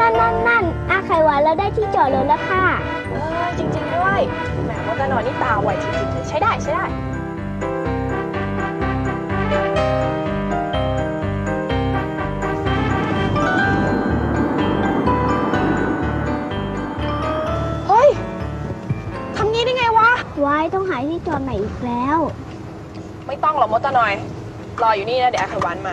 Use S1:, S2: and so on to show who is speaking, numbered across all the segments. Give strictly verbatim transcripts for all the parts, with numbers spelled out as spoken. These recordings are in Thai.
S1: นั่นนั่นนั่นอาไขหวานเราได้ที่จอดรถแล้วค่ะ
S2: เออจริงๆด้วยแหมมดนอยนี่ตาไวจริงๆเลยใช้ได้ใช้ได้เฮ้ยทำงี้ได้ไงวะ
S1: ไว้ต้องหาที่จอดใหม่อีกแล้ว
S2: ไม่ต้องหรอกมดตะหน่อย รออยู่นี่นะเดี๋ยวอาไขหวานมา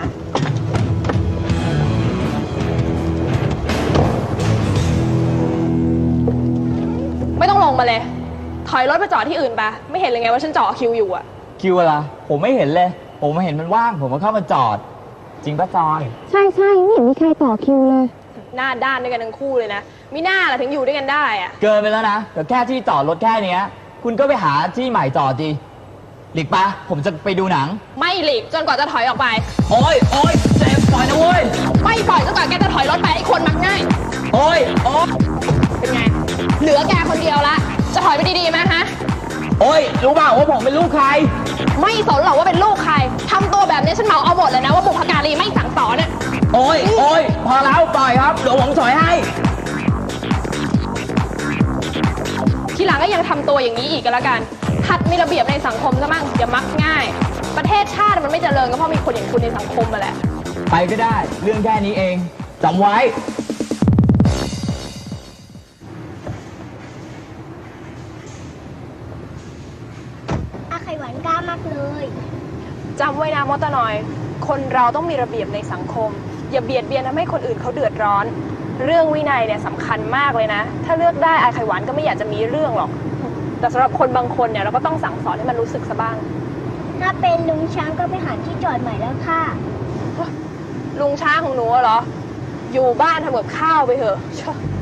S2: ไม่ต้องลงมาเลย ถอยรถไปจอดที่อื่นไปไม่เห็นเลยไงว่าฉันจอดคิวอยู่อะ
S3: คิวอะไรผมไม่เห็นเลย ผมมาเห็นมันว่าง ผมมาเข้ามาจอด จริงปะจอย
S1: ใช่ใช่ไม่เห็นมีใครต่อคิวเลย
S2: หน้าด้านด้วยกันทั้งคู่เลยนะมีหน้าล่ะถึงอยู่ด้วยกันได้อะ
S3: เกินไปแล้วนะแต่แค่ที่จอดรถแค่เนี้ย คุณก็ไปหาที่ใหม่จอดดีหลีกปะผมจะไปดูหนัง
S2: ไม่หลีกจนกว่าจะถอยออกไป
S3: โอ้ยโอ้ยเจ็บปล่อยนะเว้ย
S2: ไม่ปล่อยจนกว่าแกจะถอยรถไปไอ้คนมักง่าย
S3: โอ้ยโอ้ย
S2: เป็นไง เหลือแกคนเดียวละ จะถอยไปดีๆไหมฮะ
S3: โอ้ยรู้เปล่าว่าผมเป็นลูกใคร
S2: ไม่สนหรอกว่าเป็นลูกใครทำตัวแบบนี้ฉันเมาเอาหมดเลยนะว่าบุพการีไม่สั่งสอนเนี่ย
S3: โอ้ยโอ้ยพอแล้วปล่อยครับเดี๋ยวผมสอยให้
S2: ทีหลังก็ยังทำตัวอย่างนี้อีกก็แล้วกันหัดมีระเบียบในสังคมซะมั่งอย่ามักง่าย ประเทศชาติมันไม่เจริญก็เพราะมีคนอย่างคุณในสังคมมาแหละ
S3: ไปก็ได้เรื่องแค่นี้เองจำไว้
S1: อาไขหวานกล้ามากเลย
S2: จำไว้นะมดตะหน่อย คนเราต้องมีระเบียบในสังคม อย่าเบียดเบียนทำให้คนอื่นเขาเดือดร้อน เรื่องวินัยเนี่ยสำคัญมากเลยนะ ถ้าเลือกได้อาไขหวานก็ไม่อยากจะมีเรื่องหรอก แต่สำหรับคนบางคนเนี่ยเราก็ต้องสั่งสอนให้มันรู้สึกซะบ้าง
S1: ถ้าเป็นลุงช้างก็ไปหาที่จอดใหม่แล้วค่ะ
S2: ลุงช้างของหนูอะเหรอ อยู่บ้านทำกับข้าวไปเถอะ